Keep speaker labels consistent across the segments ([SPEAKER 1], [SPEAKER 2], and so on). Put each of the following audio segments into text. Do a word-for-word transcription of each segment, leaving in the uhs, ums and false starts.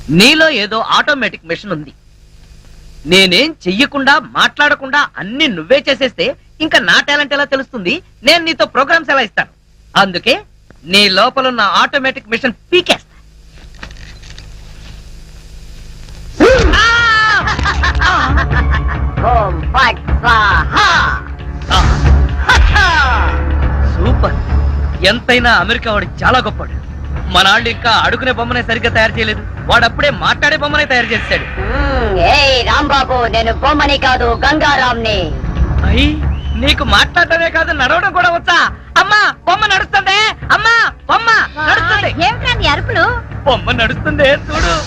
[SPEAKER 1] నీలో ఏదో automatic machine ఉంది. నేనేం చెయ్యకుండా మాట్లాడకుండా అన్ని నువ్వే చేసేస్తే ఇంకా నా టాలెంట్ ఎలా తెలుస్తుంది? నేను నీతో ప్రోగ్రామ్స్ ఎలా ఇస్తాను? అందుకే నీ లోపల ఉన్న ఆటోమేటిక్ మిషన్ పీకేస్తా. సూపర్. ఎంతైనా అమెరికా వాడు చాలా గొప్పవాడు. మన వాళ్ళు ఇంకా అడుగునే బొమ్మనే సరిగ్గా తయారు చేయలేదు, వాడు అప్పుడే మాట్లాడే బొమ్మనే తయారు చేశాడు.
[SPEAKER 2] రాంబాబు, నేను బొమ్మని కాదు గంగారాంని.
[SPEAKER 1] అయ్యి, నీకు మాట్లాడటమే కాదు నడవడం కూడా వచ్చా? అమ్మా బొమ్మ నడుస్తుంది, అమ్మా బొమ్మ నడుస్తుంది.
[SPEAKER 2] ఏమిటండి అరుపులు?
[SPEAKER 1] బొమ్మ నడుస్తుంది చూడు.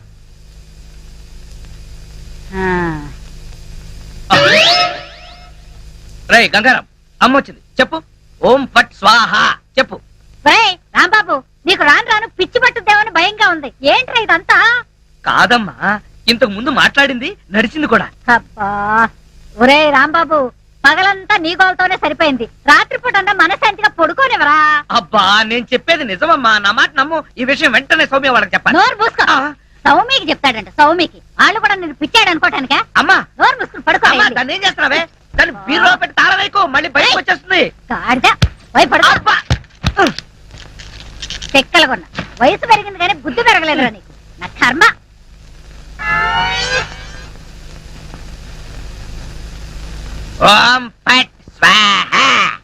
[SPEAKER 1] రే గంగారాం, అమ్మ వచ్చింది, చెప్పు. ఓం ఫట్ స్వాహ చెప్పు.
[SPEAKER 2] రాంబాబు, నీకు రాను రాను పిచ్చి పట్టుద్దేమని భయంగా ఉంది. ఏంట్రా ఇదంతా?
[SPEAKER 1] కాదమ్మా, ఇంతకు ముందు మాట్లాడింది నడిచింది కూడా.
[SPEAKER 2] అబ్బా, ఒరే రాంబాబు, పగలంతా నీ గోలతోనే సరిపోయింది. రాత్రిపూట మనశాంతిగా పడుకోనివరా?
[SPEAKER 1] అబ్బా, నేను చెప్పేది నిజమమ్మా, నా మాట నమ్ము. ఈ విషయం వెంటనే సౌమ్య వాళ్ళకి చెప్పాలి.
[SPEAKER 2] నోరు మూసుకో. సౌమికి చెప్తాడంట. సౌమికి వాళ్ళు కూడా నేను పిచ్చాడు అనుకోటానికా?
[SPEAKER 1] అమ్మా
[SPEAKER 2] నోరు మూసుకుని పడుకో.
[SPEAKER 1] దాన్ని ఏం చేస్తున్నావే? దాన్ని బీరులో పెట్టి తాళం వేయకు, మళ్ళీ బయటకు వచ్చేస్తుంది.
[SPEAKER 2] చెక్కలగొన్న వయసు పెరిగింది కానీ బుద్ధి పెరగలేదురా నీకు. నా కర్మ.
[SPEAKER 1] ఓం ఫట్ స్వాహ.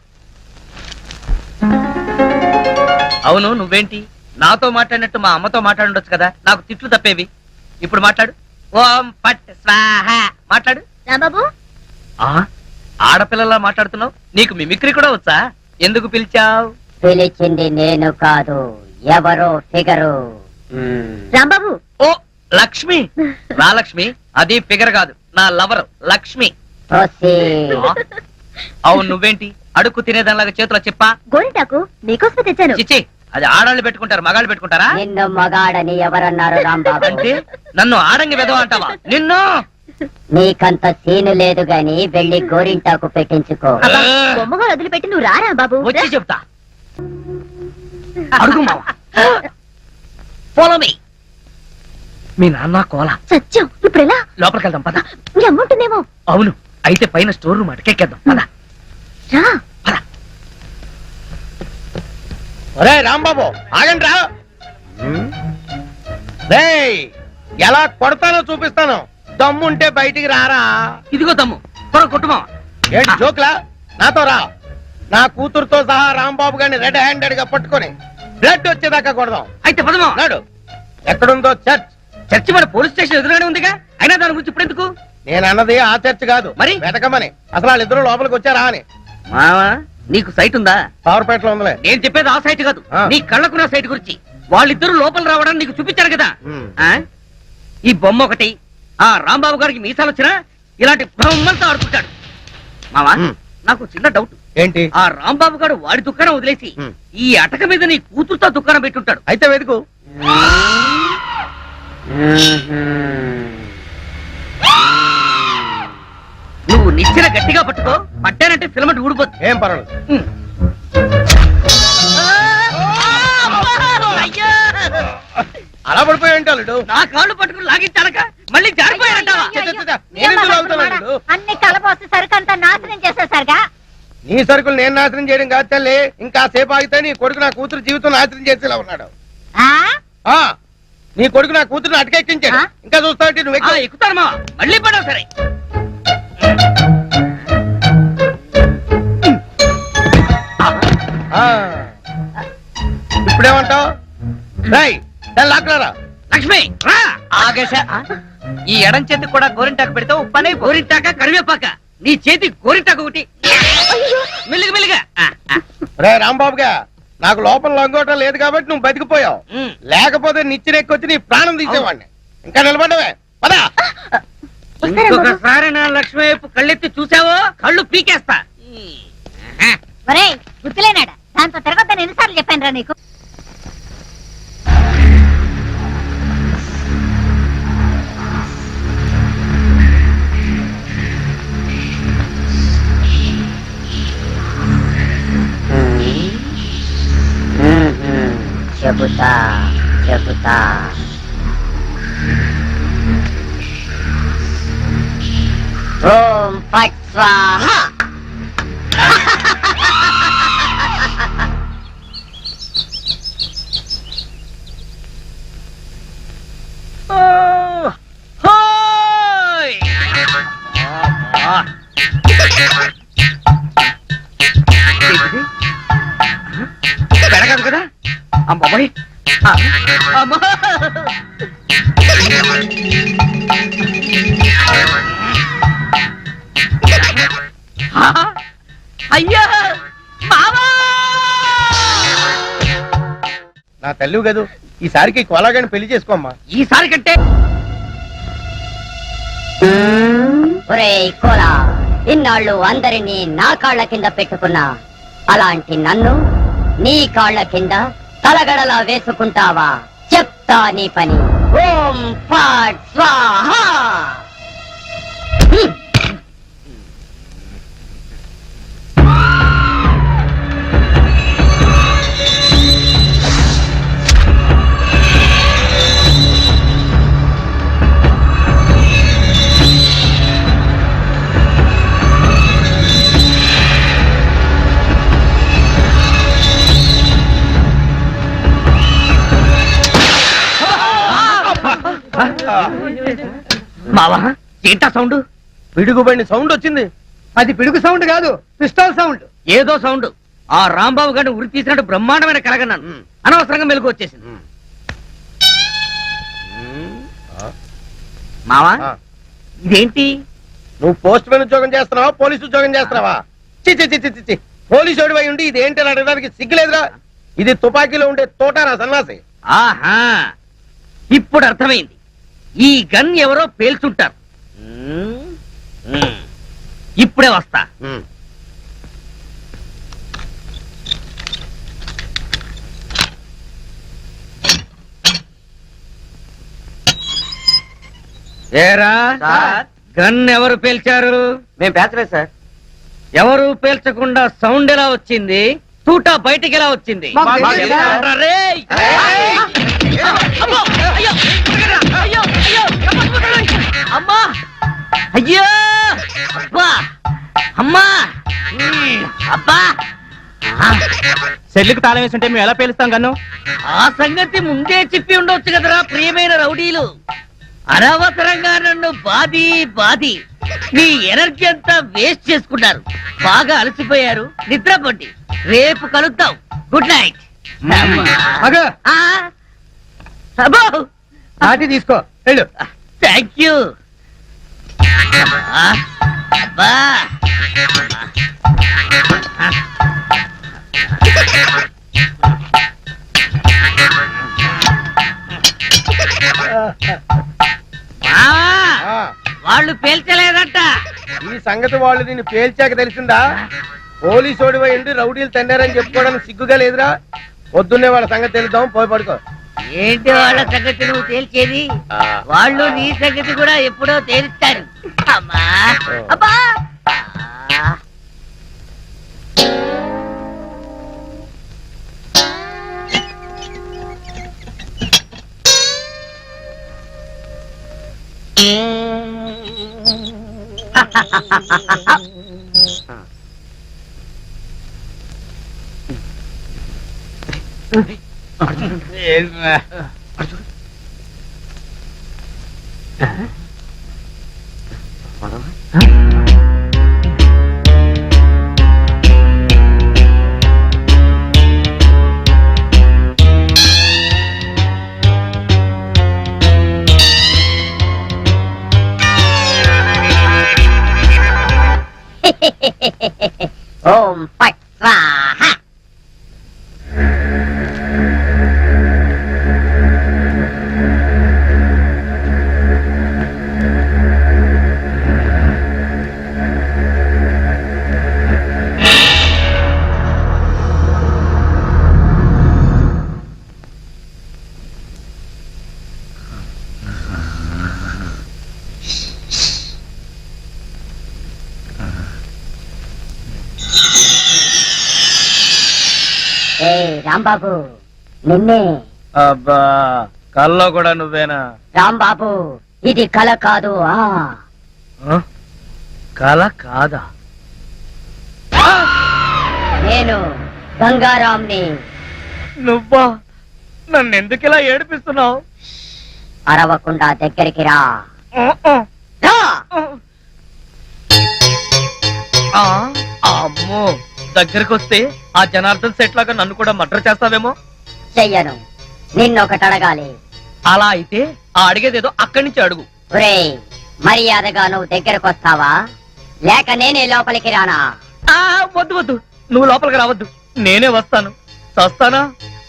[SPEAKER 1] అవును, నువ్వేంటి నాతో మాట్లాడినట్టు మా అమ్మతో మాట్లాడుండొచ్చు కదా, నాకు తిట్లు తప్పేవి. ఇప్పుడు మాట్లాడు. ఓం ఫట్ స్వాహ మాట్లాడు.
[SPEAKER 2] రాంబాబు,
[SPEAKER 1] ఆడపిల్లలా మాట్లాడుతున్నావు, నీకు మిమిక్రీ కూడా వచ్చా? ఎందుకు పిలిచావు?
[SPEAKER 2] పిలిచింది నేను కాదు, ఎవరో ఫిగరు. రాంబాబు.
[SPEAKER 1] ఓ లక్ష్మి. నా లక్ష్మి, అది ఫిగర్ కాదు, నా లవర్ లక్ష్మి. అవును, నువ్వేంటి అడుక్కు తినేదానిలాగా చేతిలో చెప్పా?
[SPEAKER 2] గోరింటాకు నీకోసం తెచ్చాను.
[SPEAKER 1] చిచ్చి, అది ఆడాళ్ళు పెట్టుకుంటారు, మగాళ్ళు పెట్టుకుంటారా?
[SPEAKER 2] నిన్ను మగాడని ఎవరన్నారు రాంబాబు?
[SPEAKER 1] అంటే నన్ను ఆడంగి వెదవ అంటావా? నిన్ను.
[SPEAKER 2] నీకంత సీను లేదు గాని వెళ్ళి గోరింటాకు పెట్టించుకో. బొమ్మగా వదిలిపెట్టి నువ్వు రారా బాబు?
[SPEAKER 1] వచ్చి చెప్తా. అడుగు మావా. Follow me. మీ నాన్న కోల
[SPEAKER 2] సత్యం. ఇప్పుడు ఎలా?
[SPEAKER 1] లోపలికి వెళ్దాం పద.
[SPEAKER 2] మీ అమ్ముంటుందేమో.
[SPEAKER 1] అవును, అయితే పైన స్టోర్ రూమ్ అటకెక్కేద్దాం పద.
[SPEAKER 2] రా.
[SPEAKER 3] ఒరే రాంబాబు, ఆగండి రా. రేయ్, ఎలా కొడతానో చూపిస్తాను. దమ్ముంటే బయటికి రారా.
[SPEAKER 1] ఇదిగో దమ్ము, త్వర కొట్టుమా.
[SPEAKER 3] ఏంటి జోక్లా? నాతో రా. నా కూతురుతో సహా రాంబాబు గారిని రెడ్ హ్యాండెడ్ గా పట్టుకొని బ్లడ్ వచ్చేదాకా కొడదాం.
[SPEAKER 1] అయితే పదమా.
[SPEAKER 3] నాడు ఎక్కడుందో చర్చ్.
[SPEAKER 1] చర్చి మన పోలీస్ స్టేషన్ ఎదురుగానే ఉందిగా, అయినా దాని గురించి ఇప్పుడు ఎందుకు?
[SPEAKER 3] నేను అన్నది ఆ చర్చ్ కాదు,
[SPEAKER 1] మరి
[SPEAKER 3] వెతకమని. అసలు వాళ్ళిద్దరు లోపలికి వచ్చారా అని.
[SPEAKER 1] మావా, నీకు సైట్ ఉందా?
[SPEAKER 3] పవర్పేటలో ఉందిలే.
[SPEAKER 1] నేను చెప్పేది ఆ సైట్ కాదు, నీ కళ్ళకున్న సైట్ గురించి. వాళ్ళిద్దరు లోపల రావడానికి నీకు చూపించారు కదా. ఈ బొమ్మ ఒకటి, ఆ రాంబాబు గారికి మీసాలు వచ్చినా ఇలాంటి బొమ్మలతో ఆడుకుంటాడు. మావా, నాకు చిన్న డౌట్.
[SPEAKER 3] ఏంటి?
[SPEAKER 1] ఆ రాంబాబు గారు వాడి దుకాణం వదిలేసి ఈ అటక మీద నీ కూతురుతో దుకాణం పెట్టుంటాడు.
[SPEAKER 3] అయితే వెతుకు.
[SPEAKER 1] నువ్వు నిచ్చిన గట్టిగా పట్టుకో, పట్టానంటే ఫిలమెంట్ ఊడిపోతుంది.
[SPEAKER 3] ఏం పర్వాలేదు. అలా పడిపోయి ఉంటాడు.
[SPEAKER 1] నా కాళ్ళు పట్టుకుని లాగించాలక మళ్ళీ జారిపోయారంటావా?
[SPEAKER 2] అన్ని కలపోసి సరుకంతా నాశనం చేసేసరిగా.
[SPEAKER 3] నీ సరుకులు నేను నాశనం చేయడం కాదు తల్లి, ఇంకా సేపు ఆగితే నీ కొడుకు నా కూతురు జీవితం నాశనం చేసేలా ఉన్నాడు. నీ కొడుకు నా కూతురుని అటకెక్కించాడు. ఇంకా చూస్తావు నువ్వు
[SPEAKER 1] ఎక్కుతారమ్మా. మళ్ళీ పడవు సరే.
[SPEAKER 3] ఇప్పుడేమంటావు? లాక్కరా.
[SPEAKER 1] లక్ష్మి రా. ఆగేశ, ఈ ఎడం చేతికి కూడా గోరింటాకు పెడితే ఉప్పనే. గోరింటాక కరివేపాక, నీ చేతి గోరింటాకు ఒకటి. మెల్లిగా మెల్లిగా.
[SPEAKER 3] రే రాంబాబుగా, నాకు లోపల లొంగోటం లేదు కాబట్టి నువ్వు బతికిపోయావు. లేకపోతే నిచ్చినెక్కొచ్చి నీ ప్రాణం తీసేవాడిని. ఇంకా నిలబడవే పదా.
[SPEAKER 1] ఇంకొకసారి నా లక్ష్మి వైపు కళ్ళెత్తి చూసావో కళ్ళు పీకేస్తా.
[SPEAKER 2] గుర్తులేనాడా? దాంతో తిరగద్దని ఎన్నిసార్లు చెప్పాను రా నీకు. చెబుతా చెబుతా ఓం ఫట్ స్వాహ.
[SPEAKER 1] హోయ్! అబ్బా! ఏంటిది? పెడగదు కదా అమ్మాయి అమ్మా అయ్యా మావా
[SPEAKER 3] నా తల్లి కదూ ఈసారికి కొలాగాని పెళ్లి చేసుకోమ్మా.
[SPEAKER 1] ఈసారి కంటే
[SPEAKER 2] ఒరేయ్ కోలా, ఇన్నాళ్ళు అందరినీ నా కాళ్ళ కింద పెట్టుకున్నా, అలాంటి నన్ను నీ కాళ్ళ కింద తలగడలా వేసుకుంటావా? చెప్తా నీ పని. ఓం ఫట్ స్వాహ. హ్మ్.
[SPEAKER 1] మావా ఏంటా సౌండ్?
[SPEAKER 3] పిడుగుబడిన సౌండ్ వచ్చింది.
[SPEAKER 4] అది పిడుగు సౌండ్ కాదు, పిస్టల్ సౌండ్.
[SPEAKER 1] ఏదో సౌండ్. ఆ రాంబాబు గారిని ఉరి తీసినట్టు బ్రహ్మాండమైన కలగన్నాను. అనవసరంగా మెలకు వచ్చేసింది. మావా
[SPEAKER 3] ఆ,
[SPEAKER 1] ఇదేంటి?
[SPEAKER 3] నువ్వు పోస్ట్ మ్యాన్ ఉద్యోగం చేస్తున్నావా, పోలీసు ఉద్యోగం చేస్తున్నావా? చి చి చి చి చి పోలీసు ఓడివై ఉండి ఇది ఏంటి అని అడగడానికి సిగ్గులేదురా? ఇది తుపాకీలో ఉండే తోటారా సన్నాసి.
[SPEAKER 1] ఆహా ఇప్పుడు అర్థమైంది. ఈ గన్ ఎవరో పేల్చుంటారు. ఇప్పుడే వస్తా.
[SPEAKER 3] ఉమ్.
[SPEAKER 1] ఏరా గన్ ఎవరు పేల్చారు?
[SPEAKER 4] మేము పేర్చలేదు సార్.
[SPEAKER 1] ఎవరు పేల్చకుండా సౌండ్ ఎలా వచ్చింది? తూటా బయటికి ఎలా వచ్చింది?
[SPEAKER 4] మాకు తెలియదు సార్.
[SPEAKER 1] ఎవరా రేయ్? అమ్మో! అయ్యో! అయ్యో! అయ్యో! అమ్మా! అయ్యో! అబ్బా! అమ్మా! ఉమ్, అబ్బా! ఆ,
[SPEAKER 4] సెల్లుకి తాళం వేస్తుంటే మేము ఎలా పేలుస్తాం గన్ను?
[SPEAKER 1] ఆ సంగతి ముందే చెప్పి ఉండొచ్చు కదరా ప్రియమైన రౌడీలు. అనవసరంగా నన్ను బాది బాది మీ ఎనర్జీ అంతా వేస్ట్ చేసుకున్నారు. బాగా అలసిపోయారు, నిద్రపోండి. రేపు కలుద్దాం. Good night.
[SPEAKER 4] అగో
[SPEAKER 1] అబ్బో
[SPEAKER 4] నాటి తీసుకో వెళ్ళు.
[SPEAKER 1] Thank you. అబ్బా
[SPEAKER 3] ఆ,
[SPEAKER 1] వాళ్ళు పేల్చలేదట.
[SPEAKER 3] ఈ సంగతి వాళ్ళు నిన్ను పేల్చాక తెలిసిందా? పోలీసు ఓడివై ఉండి రౌడీలు తన్నారని చెప్పుకోవడానికి సిగ్గుగా లేదురా? పొద్దున్నే వాళ్ళ సంగతి తెలుద్దాం, పోయి పడుకో.
[SPEAKER 1] ఏంటి వాళ్ళ సంగతి నువ్వు తేల్చేది?
[SPEAKER 3] ఆ.
[SPEAKER 1] వాళ్ళు నీ సంగతి కూడా ఎప్పుడో తేలుస్తారు. అమ్మా అబ్బా ఆ.
[SPEAKER 2] ఓం ఫట్ స్వాహ. ఏ రాంబాబు, నిన్నే.
[SPEAKER 4] అబ్బా కల్లో కూడా నువ్వేనా?
[SPEAKER 2] రాంబాబు, ఇది కల కాదు. ఆ
[SPEAKER 1] కల కాదా?
[SPEAKER 2] నేను గంగారాంని.
[SPEAKER 1] నువ్వా? నన్ను ఎందుకు ఇలా ఏడిపిస్తున్నావు?
[SPEAKER 2] అరవకుండా దగ్గరికి రా. రా.
[SPEAKER 1] ఆ, అమ్మో, దగ్గరికి వస్తే ఆ జనార్దన్ సెట్ లాగా నన్ను కూడా మర్డర్ చేస్తావేమో.
[SPEAKER 2] చెయ్యను. నిన్నొకటి అడగాలి.
[SPEAKER 1] అలా అయితే ఆ అడిగేదేదో అక్కడి నుంచి అడుగు.
[SPEAKER 2] ఒరేయ్, మర్యాదగా నువ్వు దగ్గరకు వస్తావా లేక నేనే లోపలికి రానా?
[SPEAKER 1] ఆ వద్దు వద్దు, నువ్వు లోపలికి రావద్దు, నేనే వస్తాను. చస్తానా?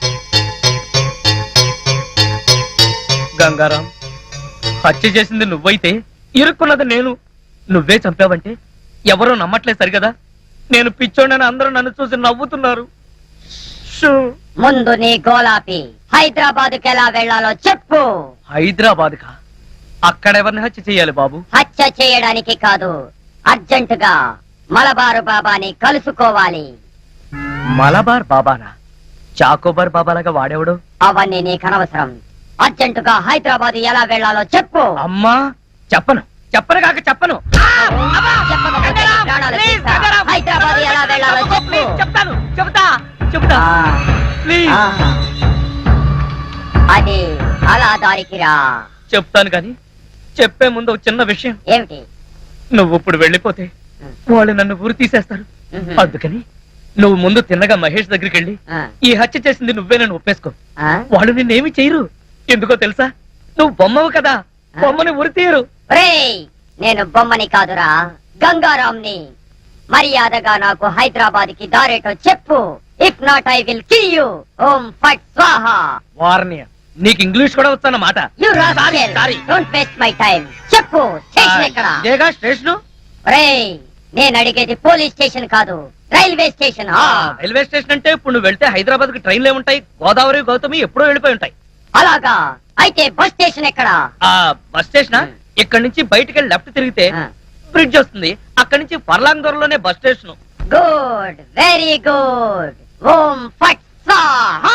[SPEAKER 1] గంగారాం, హత్య చేసింది నువ్వైతే ఇరుక్కున్నది నేను. నువ్వే చంపావంటే ఎవరూ నమ్మట్లేదు సరిగదా. నేను పిచ్చోడని అందరూ నన్ను చూసి నవ్వుతున్నారు. షూ.
[SPEAKER 2] ముందు నీ గోలాపి హైదరాబాద్కి ఎలా వెళ్లాలో చెప్పు.
[SPEAKER 1] హైదరాబాద్ కా? అక్కడెవరిని హత్య చెయ్యాలి బాబు?
[SPEAKER 2] హత్య చేయడానికి కాదు, అర్జెంటుగా మలబారు బాబాని కలుసుకోవాలి.
[SPEAKER 1] మలబార్ బాబానా? చాకోబార్ బాబాలాగా వాడేవాడు?
[SPEAKER 2] అవన్నీ నీకు అనవసరం. అర్జెంటుగా హైదరాబాద్ ఎలా వెళ్లాలో చెప్పు.
[SPEAKER 1] అమ్మా, చెప్పను చెప్పను కాక చెప్పను.
[SPEAKER 2] చెప్పకపోతే నీ ప్రాణాలు
[SPEAKER 1] ప్లీజ్,
[SPEAKER 2] తీస్తా.
[SPEAKER 1] గంగారాం,
[SPEAKER 2] హైదరాబాద్ ఎలా వెళ్లాలో చెప్పు.
[SPEAKER 1] ప్లీజ్, చెప్తాను చెప్తా చెప్తా
[SPEAKER 2] ఆ,
[SPEAKER 1] ప్లీజ్.
[SPEAKER 2] ఆ. అది అలా దారికి రా.
[SPEAKER 1] చెప్తాను కానీ చెప్పే ముందు ఒక చిన్న విషయం.
[SPEAKER 2] ఏమిటి?
[SPEAKER 1] నువ్వు ఇప్పుడు వెళ్ళిపోతే వాళ్ళు నన్ను ఊరు తీసేస్తారు.
[SPEAKER 2] మ్మ్.
[SPEAKER 1] అందుకని నువ్వు ముందు తిన్నగా మహేష్ దగ్గరికి వెళ్ళి
[SPEAKER 2] ఆ,
[SPEAKER 1] ఈ హత్య చేసింది నువ్వే నన్ను ఒప్పేసుకో.
[SPEAKER 2] ఆ?
[SPEAKER 1] వాళ్ళు నిన్నేమి చేయరు. ఎందుకో తెలుసా? నువ్వు బొమ్మవు కదా, బొమ్మని ఉరి తీయరు.
[SPEAKER 2] ఒరేయ్, నేను బొమ్మని కాదురా, గంగారాంని. మర్యాదగా నాకు హైదరాబాద్ కి దారేటో చెప్పు. If not I will kill you. ఓం ఫట్ స్వాహా.
[SPEAKER 1] వార్నియ, నీకు ఇంగ్లీష్ కూడా వచ్చానమాట.
[SPEAKER 2] You rascal, don't waste my time. చెప్పు, స్టేషన్ ఎక్కడ?
[SPEAKER 1] ఇదేగా స్టేషను.
[SPEAKER 2] ఒరేయ్, నేను అడిగేది పోలీస్ స్టేషన్ కాదు, రైల్వే స్టేషన్. ఆ,
[SPEAKER 1] రైల్వే స్టేషన్ అంటే ఇప్పుడు నువ్వు వెళ్తే హైదరాబాద్ కి ట్రైన్లే ఉంటాయి. గోదావరి గౌతమి ఎప్పుడో వెళ్ళిపోయి ఉంటాయి.
[SPEAKER 2] అలాగా? అయితే బస్ స్టేషన్ ఎక్కడ?
[SPEAKER 1] ఆ బస్ స్టేషన్ ఇక్కడ నుంచి బయటికి వెళ్ళి లెఫ్ట్ తిరిగితే
[SPEAKER 2] ఆ.
[SPEAKER 1] బ్రిడ్జ్ వస్తుంది. అక్కడి నుంచి పర్లాంగ్ దూరంలోనే bus station.
[SPEAKER 2] Good, very good. ఓం ఫట్ స్వాహా.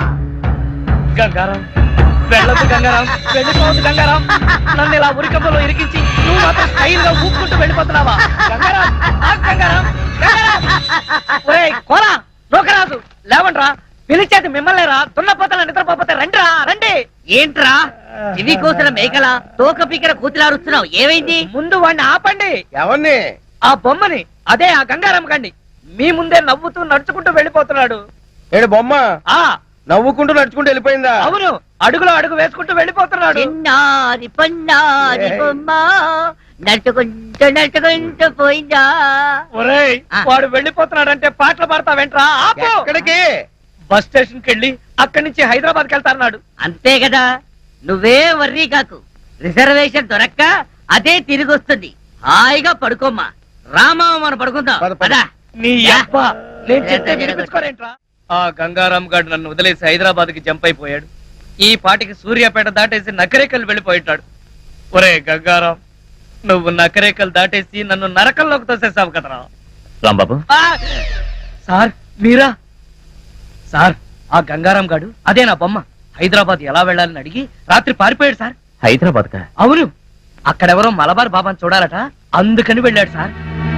[SPEAKER 1] గంగారాం, వెళ్ళొద్దు గంగారాం, వెళ్ళిపోవద్దు గంగారాం. నన్ను ఇలా ఉరికంపలో ఇరికించి నువ్వు మాత్రం స్టైల్ గా ఊపుకుంటూ వెళ్ళిపోతున్నావా? గంగారాం, ఆగు గంగారాం, గంగారాం. ఒరేయ్ కోలా, నూకరాజు, లేవండ్రా. పిలిచేది మిమ్మల్ని రా. దున్నపోతల నిద్రపోతే రండిరా, రండి. ఏంట్రా ఇవి కోసిన మేకల తోక పీకర కూతులారుస్తున్నావు? ఏమైంది? ముందు వాడిని ఆపండి.
[SPEAKER 3] ఎవరిని?
[SPEAKER 1] ఆ బొమ్మని, అదే ఆ గంగారాం కండి. మీ ముందే నవ్వుతూ నడుచుకుంటూ వెళ్ళిపోతున్నాడు.
[SPEAKER 3] ఏడు బొమ్మ
[SPEAKER 1] ఆ
[SPEAKER 3] నవ్వుకుంటూ నడుచుకుంటూ వెళ్ళిపోయిందా?
[SPEAKER 1] అవును, అడుగులో అడుగు వేసుకుంటూ వెళ్ళిపోతున్నాడు.
[SPEAKER 2] చిన్నారి పొన్నారి
[SPEAKER 3] ఏయ్.
[SPEAKER 2] బొమ్మ నడుచుకుంటూ నడుచుకుంటూ పోయిందా?
[SPEAKER 1] ఒరేయ్,
[SPEAKER 2] ఆ.
[SPEAKER 1] వాడు వెళ్ళిపోతున్నాడంటే పాటలు పాడతావేంట్రా? ఆపు.
[SPEAKER 3] ఎక్కడికి?
[SPEAKER 1] బస్ స్టేషన్ కి వెళ్ళి అక్కడి నుంచి హైదరాబాద్ కి వెళ్తారన్నాడు.
[SPEAKER 5] అంతే కదా, నువ్వే వర్రీ కాకు. రిజర్వేషన్ దొరక్క అదే తిరిగి వస్తుంది. హాయిగా పడుకోమ్మా. రామా, మనం పడుకుందాం.
[SPEAKER 3] పద, పద.
[SPEAKER 5] పదా.
[SPEAKER 1] నీ అబ్బ, నేను చెప్తే
[SPEAKER 5] జరగదు.
[SPEAKER 1] వినిపించుకోరేంట్రా? ఆ గంగారాం గారు నన్ను వదిలేసి హైదరాబాద్ కి జంప్ అయిపోయాడు. ఈ పాటికి సూర్యాపేట దాటేసి నకరేకల్ వెళ్ళిపోయింటాడు. ఒరే గంగారాం, నువ్వు నకరేకల్ దాటేసి నన్ను నరకంలోకి తోసేసావు కదరా.
[SPEAKER 4] రాంబాబు,
[SPEAKER 1] ఆ! సార్ మీరా? సార్, ఆ గంగారాం గాడు అదే నా బొమ్మ. హైదరాబాద్ ఎలా వెళ్ళాలని అడిగి రాత్రి పారిపోయాడు సార్.
[SPEAKER 4] హైదరాబాద్ కా?
[SPEAKER 1] అవును, అక్కడెవరో మలబార్ బాబాని చూడాలట, అందుకని వెళ్ళాడు సార్.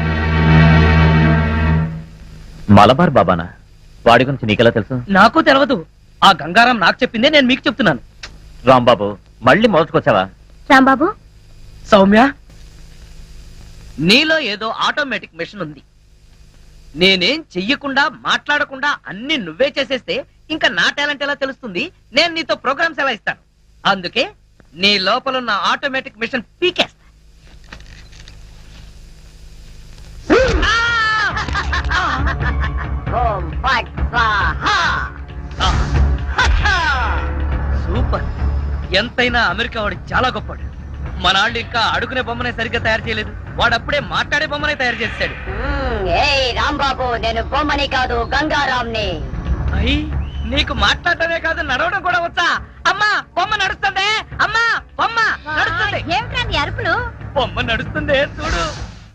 [SPEAKER 4] మలబార్ బాబానా? వాడి గురించి నీకెలా తెలుసు?
[SPEAKER 1] నాకు తెలియదు. ఆ గంగారాం నాకు చెప్పిందే నేను మీకు చెప్తున్నాను.
[SPEAKER 4] రాంబాబు, మళ్ళీ మొదటికొచ్చావా?
[SPEAKER 2] రాంబాబు,
[SPEAKER 1] సౌమ్య,
[SPEAKER 5] నీలో ఏదో ఆటోమేటిక్ మెషిన్ ఉంది.
[SPEAKER 1] నేనేం చెయ్యకుండా మాట్లాడకుండా అన్ని నువ్వే చేసేస్తే ఇంకా నా టాలెంట్ ఎలా తెలుస్తుంది? నేను నీతో ప్రోగ్రామ్స్ ఎలా ఇస్తాను? అందుకే నీ లోపల ఉన్న ఆటోమేటిక్ మిషన్ పీకేస్తా.
[SPEAKER 2] ఓం ఫట్ స్వాహా.
[SPEAKER 1] సూపర్. ఎంతైనా అమెరికా వాడు చాలా గొప్పవాడు. మన వాళ్ళు ఇంకా అడుగునే బొమ్మనే సరిగ్గా తయారు చేయలేదు. వాడు అప్పుడే మాట్లాడే బొమ్మనే తయారు చేశాడు.
[SPEAKER 2] మ్మ్, ఏయ్ రాంబాబు, నేను బొమ్మని కాదు గంగారాంని.
[SPEAKER 1] అయ్యి, నీకు మాట్లాడటమే కాదు నడవడం కూడా వచ్చా? అమ్మా, బొమ్మ నడుస్తుంది. అమ్మా, బొమ్మ నడుస్తుంది.
[SPEAKER 2] ఏమిటా నీ అరుపులు?
[SPEAKER 1] బొమ్మ నడుస్తుంది, చూడు.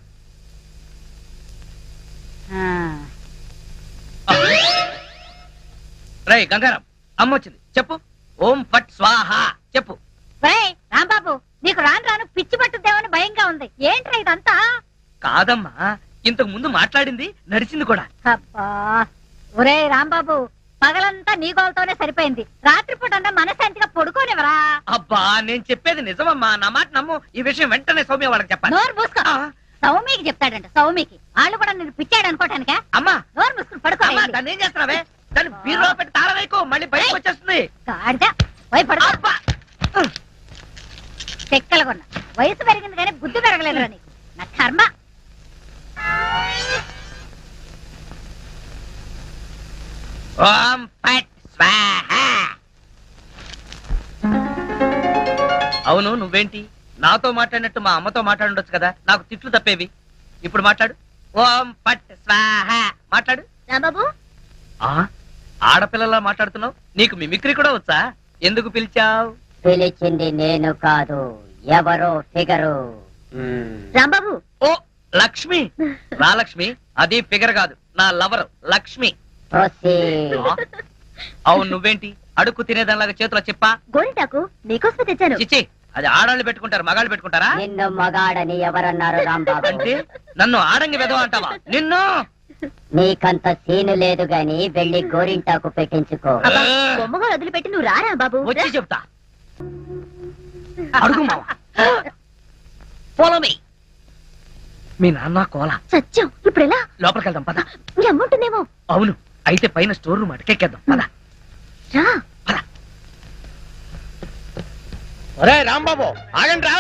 [SPEAKER 1] రై గంగారాం, అమ్మ వచ్చింది, చెప్పు. ఓం ఫట్ స్వాహ చెప్పు.
[SPEAKER 2] ఒరేయ్ రాంబాబు, నీకు రాను రాను పిచ్చి పట్టుద్దేమని భయంగా ఉంది. ఏంట్రా ఇదంతా?
[SPEAKER 1] కాదమ్మా, ఇంతకు ముందు మాట్లాడింది నడిచింది కూడా.
[SPEAKER 6] అబ్బా ఒరే రాంబాబు, పగలంతా నీ గోలతోనే సరిపోయింది. రాత్రిపూట అంతా మనశాంతిగా పడుకోనివరా?
[SPEAKER 1] అబ్బా నేను చెప్పేది నిజమమ్మా, నా మాట నమ్ము. ఈ విషయం వెంటనే సౌమ్య వాళ్ళకి చెప్పాలి.
[SPEAKER 6] నోరు మూసుకో.
[SPEAKER 1] ఆ,
[SPEAKER 6] సౌమికి చెప్తాడంట. సౌమికి వాళ్ళు కూడా నేను పిచ్చాడు అనుకోటానికే.
[SPEAKER 1] అమ్మా
[SPEAKER 6] నోరు మూసుకుని పడుకో.
[SPEAKER 1] అమ్మా దాన్ని ఏం చేస్తున్నావే? దాన్ని బీరులో పెట్టి తాళం వేయకు, మళ్ళీ బయటకు వచ్చేస్తుంది.
[SPEAKER 6] గాడిద పోయి పడుకో.
[SPEAKER 1] అబ్బా
[SPEAKER 6] చెక్కలు కొన్నా. వయసు పెరిగింది కానీ బుద్ధి పెరగలేదురా నీకు. నా కర్మ.
[SPEAKER 1] ఓం ఫట్ స్వాహ. అవును నువ్వేంటి నాతో మాట్లాడినట్టు మా అమ్మతో మాట్లాడుండొచ్చు కదా, నాకు తిట్లు తప్పేవి. ఇప్పుడు మాట్లాడు. ఓం ఫట్ స్వాహ మాట్లాడు.
[SPEAKER 6] రాంబాబు
[SPEAKER 1] ఆ ఆడపిల్లలా మాట్లాడుతున్నావు, నీకు మిమిక్రీ కూడా వచ్చా? ఎందుకు పిలిచావు?
[SPEAKER 2] పిలిచింది నేను కాదు, ఎవరో ఫిగరు.
[SPEAKER 6] రాంబాబు
[SPEAKER 1] ఓ లక్ష్మి. రా లక్ష్మి, అది ఫిగర్ కాదు, నా లవర్ లక్ష్మి.
[SPEAKER 2] Proceed.
[SPEAKER 1] అవును నువ్వేంటి అడుక్కు తినేదానిలాగా చేతిలో చెప్పా?
[SPEAKER 6] గోరింటాకు నీకోసమే తెచ్చాను.
[SPEAKER 1] చిచ్చి, అది ఆడాళ్ళు పెట్టుకుంటారు, మగాళ్ళు పెట్టుకుంటారా?
[SPEAKER 2] నిన్ను మగాడని ఎవరన్నారు రాంబాబు?
[SPEAKER 1] అంటే నన్ను ఆడంగి వెదవ అంటావా? నిన్ను
[SPEAKER 2] నీకంత సీను లేదు గాని వెళ్ళి గోరింటాకు పెట్టించుకో.
[SPEAKER 6] అబ్బా, బొమ్మగా వదిలిపెట్టి నువ్వు రారా బాబు.
[SPEAKER 1] వచ్చి చెప్తా. అడుగు మావా. Follow me. మీ నాన్న కోల
[SPEAKER 6] సత్యం ఇప్పుడు ఎలా?
[SPEAKER 1] లోపలికి వెళ్దాం పద.
[SPEAKER 6] మీ అమ్మ ఉంటుందేమో.
[SPEAKER 1] అవును, అయితే పైన స్టోర్ రూమ్ అటకెక్కేద్దాం పద.
[SPEAKER 6] రా.
[SPEAKER 3] ఒరే రాంబాబు ఆగండి రా.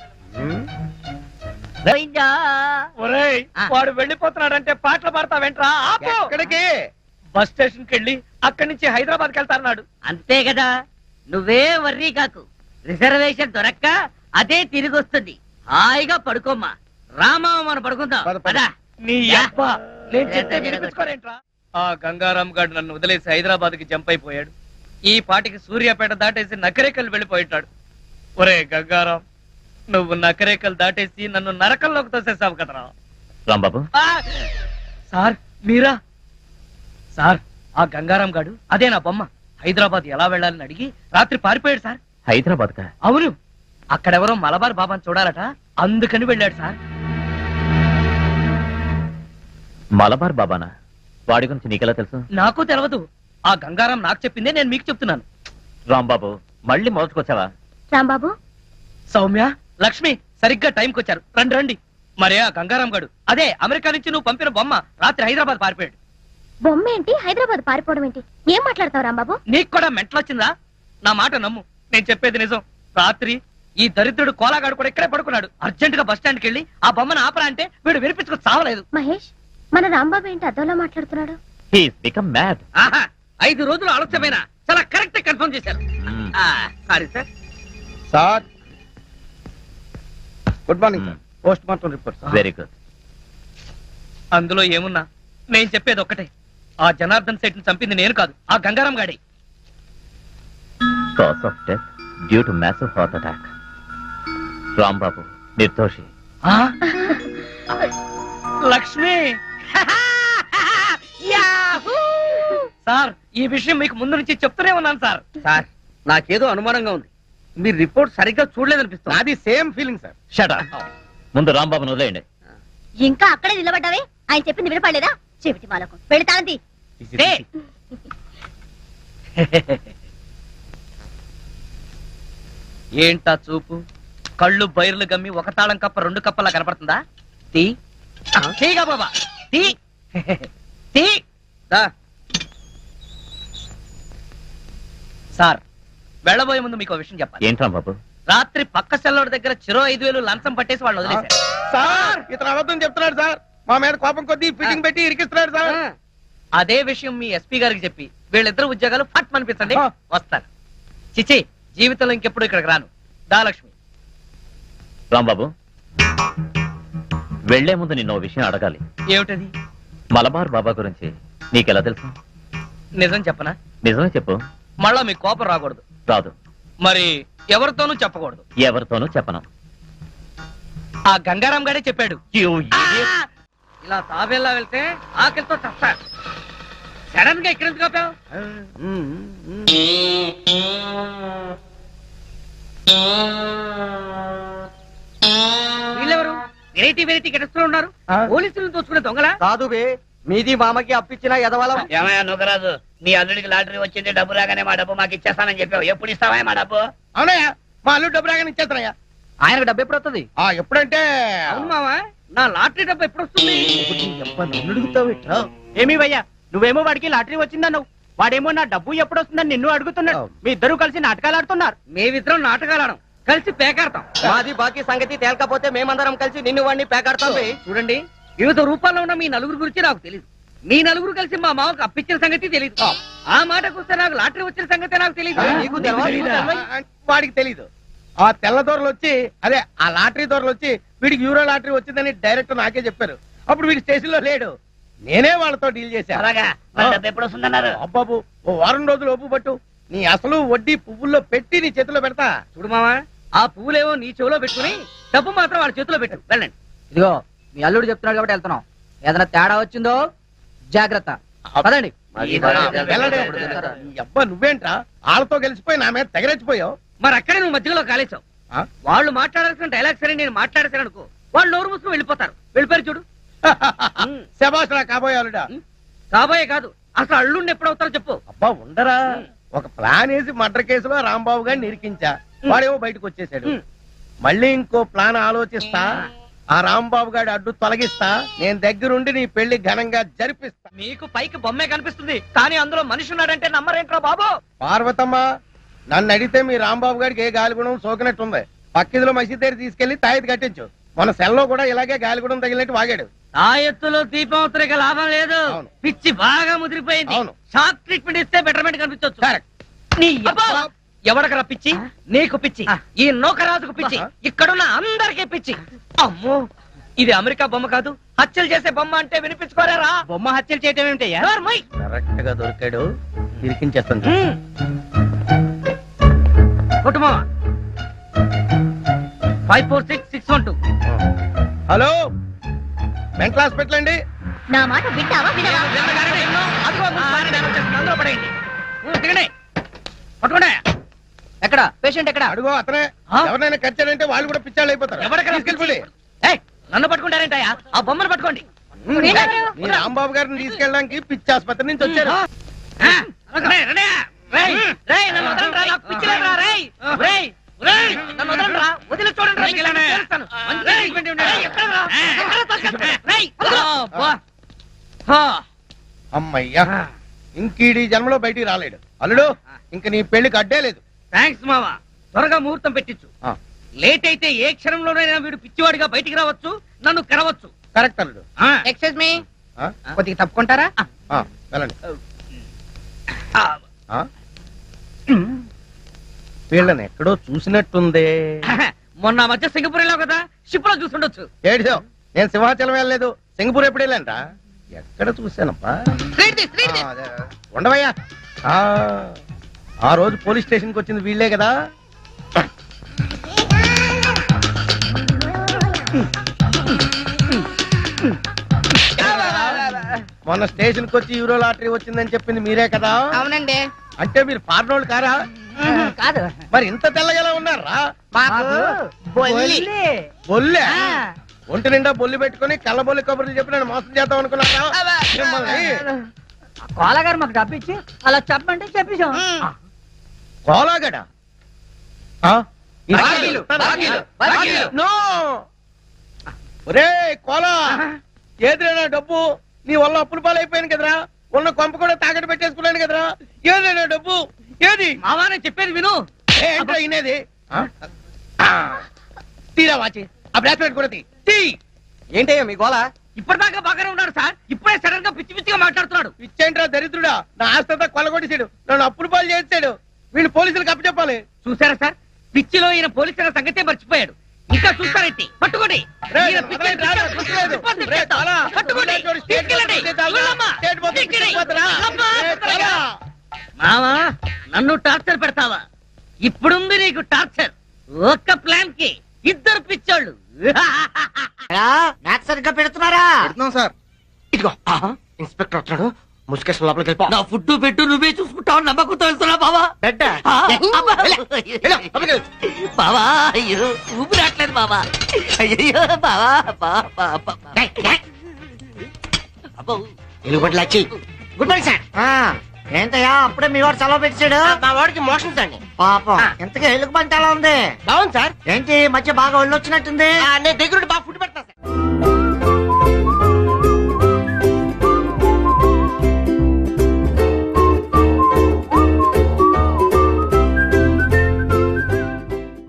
[SPEAKER 5] పోయిందా?
[SPEAKER 1] ఒరేయ్
[SPEAKER 5] ఆ.
[SPEAKER 1] వాడు వెళ్ళిపోతున్నాడంటే పాటలు పాడతావేంట్రా? ఆపు.
[SPEAKER 3] ఎక్కడికి?
[SPEAKER 1] బస్ స్టేషన్ కి వెళ్ళి అక్కడి నుంచి హైదరాబాద్ కి వెళ్తాన్నాడు.
[SPEAKER 5] అంతే కదా, నువ్వే వర్రీ కాకు. రిజర్వేషన్ దొరక్క అదే తిరిగి వస్తుంది. హాయిగా పడుకోమ్మా. రామా మనం పడుకుందాం
[SPEAKER 3] పద, పద.
[SPEAKER 5] పదా.
[SPEAKER 1] నీ
[SPEAKER 5] యా.
[SPEAKER 1] అబ్బా నేను చెప్తే
[SPEAKER 5] జరగదు.
[SPEAKER 1] వినిపించుకోరేంట్రా? ఆ గంగారాం గారు నన్ను వదిలేసి హైదరాబాద్ కి జంప్ అయిపోయాడు. ఈ పాటికి సూర్యాపేట దాటేసి నకరేకల్ వెళ్ళిపోయిటాడు. ఒరే గంగారాం, నువ్వు నకరేకల్ దాటేసి నన్ను నరకంలోకి తోసేసావు కదరా.
[SPEAKER 4] రాంబాబు
[SPEAKER 1] ఆ! సార్ మీరా? సార్ ఆ గంగారాం గాడు అదే నా బొమ్మ. హైదరాబాద్ ఎలా వెళ్ళాలని అడిగి రాత్రి పారిపోయాడు సార్.
[SPEAKER 4] హైదరాబాద్ కా?
[SPEAKER 1] అవును, అక్కడెవరో మలబార్ బాబాని చూడాలట, అందుకని వెళ్ళాడు సార్.
[SPEAKER 4] మలబార్ బాబానా? వాడి గురించి నీకెలా తెలుసు?
[SPEAKER 1] నాకు తెలియదు, ఆ గంగారాం నాకు చెప్పిందే నేను మీకు చెప్తున్నాను.
[SPEAKER 4] రాంబాబు మళ్ళీ మొదటికొచ్చావా?
[SPEAKER 6] రాంబాబు
[SPEAKER 1] సౌమ్య, లక్ష్మి సరిగ్గా టైంకి వచ్చారు. రండి రండి. మరే ఆ గంగారాం గాడు అదే అమెరికా నుంచి నువ్వు పంపిన బొమ్మ రాత్రి హైదరాబాద్ పారిపోయాడు.
[SPEAKER 6] బొమ్మ ఏంటి? హైదరాబాద్ పారిపోవడం ఏంటి? ఏం మాట్లాడతావు రాంబాబు?
[SPEAKER 1] నీకు కూడా మెంటలొచ్చిందా? నా మాట నమ్ము, నేను చెప్పేది నిజం. రాత్రి ఈ దరిద్రుడు కోలాగాడు కూడా ఇక్కడే పడుకున్నాడు. అర్జెంట్ గా బస్ స్టాండ్కి వెళ్ళి ఆ బొమ్మను ఆపరా అంటే వీడు వినిపించుకు చావలేదు.
[SPEAKER 6] మహేష్, మన రాంబాబు ఏంటి అద్దంలో మాట్లాడుతున్నాడు?
[SPEAKER 4] He's become mad.
[SPEAKER 1] ఆహా, ఐదు రోజులు ఆలస్యమైన చాలా కరెక్ట్ కన్ఫర్మ్ చేశారు. Sorry sir.
[SPEAKER 3] Sir good morning sir. Post mortem report sir.
[SPEAKER 4] Very good.
[SPEAKER 1] అందులో ఏమున్నా నేను చెప్పేది ఒక్కటే, ఆ జనార్దన్ సెట్ ని చంపింది నేను కాదు, ఆ గంగారాం గాడి.
[SPEAKER 4] Cause of death due to massive heart attack. Rambabu నిర్దోషి.
[SPEAKER 1] ఆ? లక్ష్మి. యాహూ! సార్ ఈ విషయం మీకు ముందు నుంచి చెప్తూనే ఉన్నాను సార్.
[SPEAKER 5] సార్ నాకేదో అనుమానంగా ఉంది. మీరు రిపోర్ట్ సరిగ్గా చూడలేదనిపిస్తుంది.
[SPEAKER 3] నాది same feeling sir.
[SPEAKER 4] Shut up. ముందు రాంబాబును వదిలేయండి.
[SPEAKER 6] ఇంకా అక్కడే నిలబడ్డావే? ఆయన చెప్పింది వినపడలేదా? చెవిటి మాలకు పెడతాంది.
[SPEAKER 1] రే. ఏంటా చూపు? కళ్ళు బైర్లు గమ్మి ఒక తాళం కప్ప రెండు కప్పలా కనపడుతుందా? తీ తీగా బాబా తీ తీ. దా. సార్ వెళ్ళబోయే ముందు మీకు విషయం చెప్పాలి.
[SPEAKER 4] ఏంటి రాంబాబు?
[SPEAKER 1] రాత్రి పక్క సెల్లోడి దగ్గర చెరో ఐదు వేలు లంచం పట్టేసి వాళ్ళు వదిలేశారు.
[SPEAKER 3] సార్ ఇతను అబద్ధం చెప్తున్నాడు సార్. మా మీద కోపం కొద్దీ ఫిట్టింగ్ పెట్టి ఇరికిస్తున్నాడు సార్.
[SPEAKER 1] అదే విషయం మీ ఎస్పీ గారికి చెప్పి వీళ్ళిద్దరు ఉద్యోగాలు ఫట్ అనిపించండి,
[SPEAKER 3] ఆ.
[SPEAKER 1] వస్తారు. చిచి, జీవితంలో ఇంకెప్పుడు ఇక్కడికి రాను. దా లక్ష్మి.
[SPEAKER 4] రాంబాబు వెళ్లే ముందు నిన్న ఓ విషయం అడగాలి.
[SPEAKER 1] ఏమిటది?
[SPEAKER 4] మలబార్ బాబా గురించి నీకెలా తెలుసు?
[SPEAKER 1] నిజం చెప్పనా?
[SPEAKER 4] నిజమే చెప్పు.
[SPEAKER 1] మళ్ళా మీ కోపం రాకూడదు.
[SPEAKER 4] రాదు.
[SPEAKER 1] మరి ఎవరితోనూ చెప్పకూడదు.
[SPEAKER 4] ఎవరితోనూ చెప్పను.
[SPEAKER 1] ఆ గంగారాం గారే చెప్పాడు.
[SPEAKER 4] You
[SPEAKER 1] ఆ!
[SPEAKER 4] idiot.
[SPEAKER 1] ఇలా తాబేలా వెళ్తే ఆకలితో చస్తా. సడన్ గా ఇక్కడ ఎందుకు ఆపావు? వీళ్ళెవరు? నేనే
[SPEAKER 5] వెరైటీ వెరైటీ గెటస్లో ఉన్నారు
[SPEAKER 3] ఆ?
[SPEAKER 5] పోలీసులను దోచుకునే దొంగలా
[SPEAKER 7] కాదు బే మీది మామకి అప్పించిన ఎదవలం
[SPEAKER 8] ఏమయ్యా నుగరాజు మీ అల్లుడికి లాటరీ వచ్చింది డబ్బు రాగానే మా డబ్బు మాకు ఇచ్చేస్తానని చెప్పావు ఎప్పుడు ఇస్తావా మా డబ్బు
[SPEAKER 3] అవునయ్యా మా అల్లుడు డబ్బు రాగానే ఇచ్చేస్తానయ్యా
[SPEAKER 7] ఆయనకు డబ్బు ఎప్పుడు వస్తుంది
[SPEAKER 3] ఆ ఎప్పుడంటే
[SPEAKER 5] అవును మావా నా లాటరీ డబ్బు ఎప్పుడు వస్తుంది
[SPEAKER 7] ఏమీ భయ్యా నువ్వేమో వాడికి లాటరీ వచ్చిందన్నావు వాడేమో నా డబ్బు ఎప్పుడు వస్తుందని నిన్ను అడుగుతున్నాడు మీ ఇద్దరు కలిసి నాటకాలు ఆడుతున్నారు
[SPEAKER 5] మేమిద్దరం నాటకాలు ఆడం కలిసి పేకాడతాం
[SPEAKER 7] మాది బాకీ సంగతి తేలకపోతే మేమందరం కలిసి నిన్ను వాడిని పేకాడతాం బే.
[SPEAKER 5] చూడండి వివిధ రూపాల్లో ఉన్న మీ నలుగురు గురించి నాకు తెలియదు మీ నలుగురు కలిసి మా మామకు అప్పించిన సంగతి తెలియదు ఆ మాటకు వస్తే నాకు లాటరీ వచ్చిన సంగతి నాకు తెలియదు
[SPEAKER 7] నీకు తెలవా? నీకు తెలవా?
[SPEAKER 3] వాడికి తెలీదు ఆ తెల్ల దొరలు వచ్చి అదే ఆ లాటరీ దొరలు వచ్చి వీడికి యూరో లాటరీ వచ్చిందని డైరెక్ట్ నాకే చెప్పారు అప్పుడు వీడి స్టేషన్ లో లేడు నేనే వాళ్ళతో డీల్ చేశాను
[SPEAKER 8] అలాగా మా డబ్బు ఎప్పుడు వస్తుందన్నారు
[SPEAKER 3] అబ్బాబు ఓ వారం రోజులు ఒప్పు పట్టు నీ అసలు వడ్డీ పువ్వుల్లో పెట్టి నీ చేతిలో పెడతా
[SPEAKER 5] చూడు మావా ఆ పువ్వులేవో నీ చెవిలో పెట్టుకుని డబ్బు మాత్రం వాళ్ళ చేతిలో పెట్టు వెళ్ళండి
[SPEAKER 7] ఇదిగో మీ అల్లుడు చెప్తున్నాడు కాబట్టి వెళ్తున్నాం ఏదైనా తేడా వచ్చిందో జాగ్రత్త పదండి
[SPEAKER 3] వెళ్ళడే. ఈ అబ్బా నువ్వేంట్రా వాళ్ళతో గెలిచిపోయి నా మీద తెగరెచ్చిపోయావు
[SPEAKER 5] మరి అక్కడే నువ్వు మధ్యలో కాలేసావు
[SPEAKER 3] ఆ?
[SPEAKER 5] వాళ్ళు మాట్లాడాల్సిన డైలాగ్ సరే నేను మాట్లాడేశాను అనుకో వాళ్ళు నోరు మూసుకుని వెళ్ళిపోతారు వెళ్ళిపోయారు చూడు
[SPEAKER 3] శబాష్ రా కాబోయే అల్లుడా
[SPEAKER 5] కాబోయే కాదు అసలు అల్లుండి ఎప్పుడు అవుతారో చెప్పు
[SPEAKER 3] అబ్బా ఉండరా ఒక ప్లాన్ వేసి మర్డర్ కేసులో రాంబాబు గారిని నిరికించా వాడేమో బయటకు వచ్చేసాడు
[SPEAKER 5] ఉమ్.
[SPEAKER 3] మళ్ళీ ఇంకో ప్లాన్ ఆలోచిస్తా ఆ రాంబాబు గారి అడ్డు తొలగిస్తా నేను దగ్గరుండి నీ పెళ్లి ఘనంగా జరిపిస్తా
[SPEAKER 1] మీకు పైకి బొమ్మే కనిపిస్తుంది కానీ అందులో మనిషి ఉన్నాడంటే నమ్మరేంట్రా బాబు
[SPEAKER 3] పార్వతమ్మ నన్ను అడిగితే మీ రాంబాబు గారికి ఏ గాలిగుణం సోకినట్టుంది పక్కిదిలో మసీద్ దగ్గర తీసుకెళ్లి తాయిది కట్టించు మన సెల్లో కూడా ఇలాగే గాలిగుణం తగిలినట్టు వాగాడు
[SPEAKER 5] ఆ ఎత్తులో దీపం ఉత్తరిక లాభం లేదు
[SPEAKER 3] అవును.
[SPEAKER 5] పిచ్చి బాగా ముదిరిపోయింది
[SPEAKER 3] అవును.
[SPEAKER 5] షాక్ ట్రీట్మెంట్ ఇస్తే బెటర్మెంట్ కనిపించవచ్చు
[SPEAKER 3] కరెక్ట్
[SPEAKER 1] నీ అబ్బా! ఎవడకరా పిచ్చి నీకు పిచ్చి ఈ నౌకరాజుకు పిచ్చి ఇక్కడున్న అందరికీ పిచ్చి అమ్మో ఇది అమెరికా బొమ్మ కాదు హత్యలు చేసే బొమ్మ అంటే వినిపించుకోరారా
[SPEAKER 7] బొమ్మ హత్యలు చేయటం ఏమిటయ్యా
[SPEAKER 1] నోర్మోయ్.
[SPEAKER 3] కరెక్ట్ గా దొరికాడు ఇరికించేస్తాను
[SPEAKER 1] ఉమ్.
[SPEAKER 5] కుటుంబం five four six six one two
[SPEAKER 3] hello mental hospital అండి
[SPEAKER 6] నా మాట వింటావా వినవా
[SPEAKER 1] విన్నగానే విన్నాం. అదిగో ముందు మారి నేను వచ్చేస్తున్నాను. అందులో పడేయండి. ఉమ్, దిగండి. పట్టుకోండి.
[SPEAKER 7] ఎక్కడ పేషెంట్ ఎక్కడ
[SPEAKER 3] అడుగు అతనే
[SPEAKER 1] ఆ?
[SPEAKER 3] ఎవరినైనా ఖర్చాడంటే వాళ్ళు కూడా పిచ్చాళ్ళు అయిపోతారు
[SPEAKER 1] ఎవరికైనా
[SPEAKER 3] తీసుకెళ్ళిపోండి.
[SPEAKER 1] ఏయ్, నన్ను పట్టుకుంటారేంటయ్యా ఆ బొమ్మను పట్టుకోండి
[SPEAKER 6] వీళ్ళెవరు?
[SPEAKER 3] మీ రాంబాబు గారిని తీసుకెళ్ళడానికి పిచ్చి ఆసుపత్రి నుంచి వచ్చారు
[SPEAKER 1] ఆ, రేయ్, రేయ్, రేయ్, రేయ్, నన్ను వదలండిరా, నాకు పిచ్చి లేదురా, రేయ్. రేయ్, రేయ్, నన్ను వదలండిరా, వదిలి చూడండిరా, మీకు నేను చేస్తాను. రేయ్, రేయ్, ఎక్కడరా? ఎక్కడ తోసేస్తా? రేయ్, వదలు. అబ్బా. హా.
[SPEAKER 3] అమ్మయ్యా ఇంకీడి జన్మలో బయటికి రాలేడు అల్లుడు ఇంక నీ పెళ్లికి అడ్డే లేదు
[SPEAKER 5] థ్యాంక్స్ మావా త్వరగా ముహూర్తం పెట్టించు
[SPEAKER 3] ఆ,
[SPEAKER 5] లేట్ అయితే ఏ క్షణంలోనైనా వీడు పిచ్చివాడిగా బయటికి రావచ్చు నన్ను కరవచ్చు
[SPEAKER 3] కరెక్ట్ అల్లుడు
[SPEAKER 5] ఆ.
[SPEAKER 7] ఎక్స్క్యూజ్ మీ
[SPEAKER 3] ఆ,
[SPEAKER 7] కొద్దిగా తప్పుకుంటారా
[SPEAKER 3] ఆ, వెళ్ళండి
[SPEAKER 5] ఆ.
[SPEAKER 3] ఆ? వీళ్ళని ఎక్కడో చూసినట్టుందే
[SPEAKER 5] మొన్న మధ్య సింగపూర్ వెళ్ళావు కదా షిప్ లో చూసుండొచ్చు
[SPEAKER 3] ఏడిసో నేను సింహాచలం వెళ్ళలేదు సింగపూర్ ఎప్పుడు వెళ్ళానంట ఎక్కడ చూశానప్పా ఆ, అదే. ఉండవయ్యా ఆ, ఆ రోజు పోలీస్ స్టేషన్ కి వచ్చింది వీళ్ళే కదా మొన్న స్టేషన్ కి వచ్చి యూరో లాటరీ వచ్చిందని చెప్పింది మీరే కదా
[SPEAKER 7] అవునండి
[SPEAKER 3] అంటే మీరు ఫారినోళ్ళు కారా
[SPEAKER 7] కాదు
[SPEAKER 3] మరి ఇంత తెల్లగలా ఉన్నారా
[SPEAKER 7] మాకు
[SPEAKER 3] బొల్లే ఒంటి నిండా బొల్లి పెట్టుకుని కళ్ళబొల్లి కబుర్లు చెప్పి నేను మోసం చేద్దాం అనుకున్నారా మిమ్మల్ని
[SPEAKER 7] కోలగారు మాకు డబ్బు ఇచ్చి అలా చెప్పండి చెప్పేశాం
[SPEAKER 3] కోలాగడ ఆ? ఈ
[SPEAKER 7] బాకీలు, బాకీలు, బాకీలు.
[SPEAKER 3] నో ఒరే కోలా ఏదిరైనా డబ్బు నీ వల్ల అప్పుల పాలైపోయాను కదరా ఉన్న కొంప కూడా తాకట్టు పెట్టేసుకున్నాను కదరా ఏదైనా డబ్బు ఏది
[SPEAKER 5] మావా నేను చెప్పేది విను
[SPEAKER 3] ఏంట్రా ఇనేది ఆ? ఆ. తీరా వాచి ఆ బ్రాస్లెట్ కూడా తీ తీ
[SPEAKER 7] ఏంటయ్యా మీ గోళ
[SPEAKER 5] ఇప్పటిదాకా బాగానే ఉన్నాడు సార్ ఇప్పుడే సడన్ గా పిచ్చి పిచ్చిగా మాట్లాడుతున్నాడు
[SPEAKER 3] ఇచ్చేంట్రా దరిద్రుడా నా ఆస్తంతా కొల్లగొట్టేశాడు నన్ను అప్పుల పాలు చేసాడు వీళ్ళు పోలీసులకు అప్పచెప్పాలి
[SPEAKER 5] చూసారా సార్ పిచ్చిలో ఈయన పోలీసుల సంగతే మర్చిపోయాడు ఇంకా చూస్తారేంటి పట్టుకోండి
[SPEAKER 3] రేయ్,
[SPEAKER 5] ఈయన పిచ్చి
[SPEAKER 3] వదలండి, రాదు,
[SPEAKER 5] పిచ్చిగా
[SPEAKER 3] వదలలేదు.
[SPEAKER 5] రిపోర్ట్
[SPEAKER 3] రేయ్,
[SPEAKER 5] ఇచ్చేస్తాం.
[SPEAKER 3] చాలా.
[SPEAKER 5] పట్టుకోండి
[SPEAKER 3] చూడు, స్టేట్
[SPEAKER 5] తీసుకెళ్ళండి.
[SPEAKER 3] మొత్తం చాలా.
[SPEAKER 5] వెళ్ళమ్మా.
[SPEAKER 3] స్టేట్ మొత్తం
[SPEAKER 5] తీసుకెళ్ళి.
[SPEAKER 3] తీసుకుపోతురా.
[SPEAKER 5] వెళ్ళమ్మా.
[SPEAKER 3] రేయ్, చాలా.
[SPEAKER 5] మావా నన్ను టార్చర్ పెడతావా ఇప్పుడుంది నీకు టార్చర్ ఒక్క ప్లాన్ కి ఇద్దరు పిచ్చోళ్ళు
[SPEAKER 7] మ్యాథ్స్ సరిగ్గా పెడుతున్నారా
[SPEAKER 9] పెడుతున్నాం సార్ ఇదిగో ఇన్స్పెక్టర్ వస్తున్నాడు
[SPEAKER 3] ముసుకేసిన లోపలికి వెళ్ళిపో
[SPEAKER 5] నా ఫుడ్ పెట్టు నువ్వే చూసుకుంటావు నమ్మకంతో వెళ్తున్నా బావా
[SPEAKER 3] బెడ్డ
[SPEAKER 5] ఆ, అబ్బా.
[SPEAKER 3] వెళ్ళు, లోపలికి వెళ్ళు.
[SPEAKER 5] బావా అయ్యో ఊపి రావట్లేదు బావా అయ్యో బావా బా, బా, బా, బా. అబ్బో.
[SPEAKER 3] ఎలుగుబంటి లచ్చి
[SPEAKER 9] గుడ్ మార్నింగ్ సార్ ఏంటయ్యా అప్పుడే మీ వాడు సెలవు పెట్టాడు
[SPEAKER 3] మా వాడికి మోషన్స్ అండి
[SPEAKER 9] పాపం ఇంతకీ ఎలుగు బంటి ఎలా ఉంది
[SPEAKER 3] బాగుంది సార్
[SPEAKER 9] ఏంటి ఈ మధ్య బాగా ఒళ్ళు వచ్చినట్టుంది
[SPEAKER 3] నేను దగ్గరుండి బాగా ఫుడ్ పెడతా సార్